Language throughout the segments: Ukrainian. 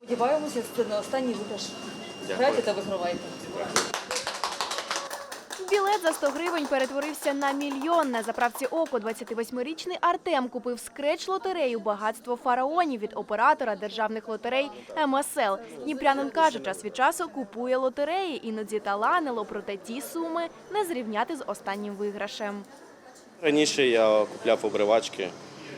Сподіваємося, це не останній виграш. Грайте та вигравайте. Білет за 100 гривень перетворився на мільйон. На заправці «Око» 28-річний Артем купив скреч-лотерею «Багатство фараонів» від оператора державних лотерей МСЛ. Дніпрянин каже, час від часу купує лотереї. Іноді таланило, проте ті суми не зрівняти з останнім виграшем. Раніше я купляв обривачки,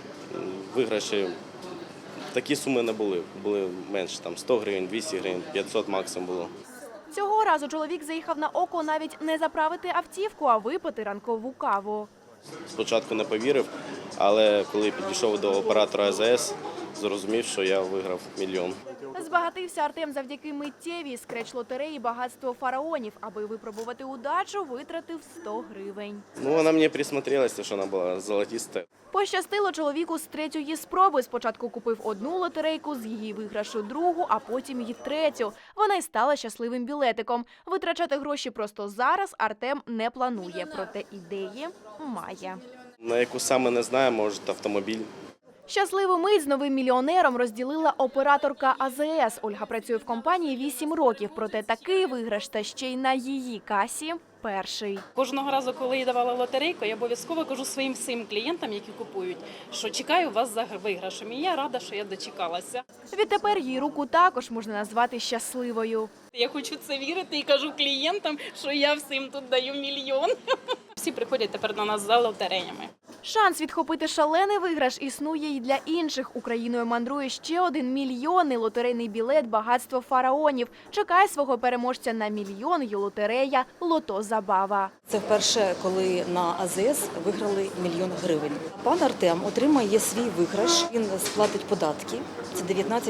виграші. Такі суми не були, були менше, там 100 гривень, 200 гривень, 500 максимум було. Цього разу чоловік заїхав на «Око» навіть не заправити автівку, а випити ранкову каву. Спочатку не повірив, але коли підійшов до оператора АЗС, зрозумів, що я виграв мільйон. Збагатився Артем завдяки миттєвій скреч-лотереї «Багатство фараонів». Аби випробувати удачу, витратив 100 гривень. Вона мені присмотрелася, що вона була золотиста. Пощастило чоловіку з третьої спроби. Спочатку купив одну лотерейку, з її виграшу другу, а потім і третю. Вона й стала щасливим білетиком. Витрачати гроші просто зараз Артем не планує, проте ідеї має. На яку саме не знаю, може автомобіль. Щасливу мить з новим мільйонером розділила операторка АЗС. Ольга працює в компанії 8 років, проте такий виграш та ще й на її касі – перший. Кожного разу, коли я давала лотерейку, я обов'язково кажу своїм всім клієнтам, які купують, що чекаю вас за виграшем. І я рада, що я дочекалася. Відтепер її руку також можна назвати щасливою. Я хочу це вірити і кажу клієнтам, що я всім тут даю мільйон. Всі приходять тепер до нас за лотереями. Шанс відхопити шалений виграш існує й для інших. Україною мандрує ще один мільйонний лотерейний білет «Багатство фараонів». Чекає свого переможця на мільйон й лотерея «Лото Забава». Це вперше, коли на АЗС виграли мільйон гривень. Пан Артем отримає свій виграш, він сплатить податки, це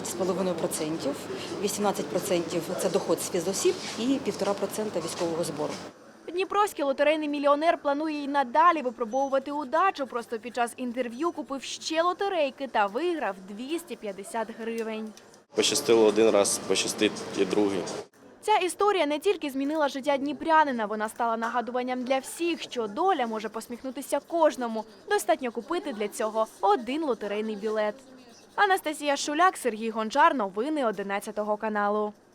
19,5%, 18% – це доход з фізосіб і 1,5% військового збору. Дніпровський лотерейний мільйонер планує й надалі випробовувати удачу. Просто під час інтерв'ю купив ще лотерейки та виграв 250 гривень. Пощастило один раз, пощастить і другий. Ця історія не тільки змінила життя дніпрянина, вона стала нагадуванням для всіх, що доля може посміхнутися кожному. Достатньо купити для цього один лотерейний білет. Анастасія Шуляк, Сергій Гончар. Новини 11 каналу.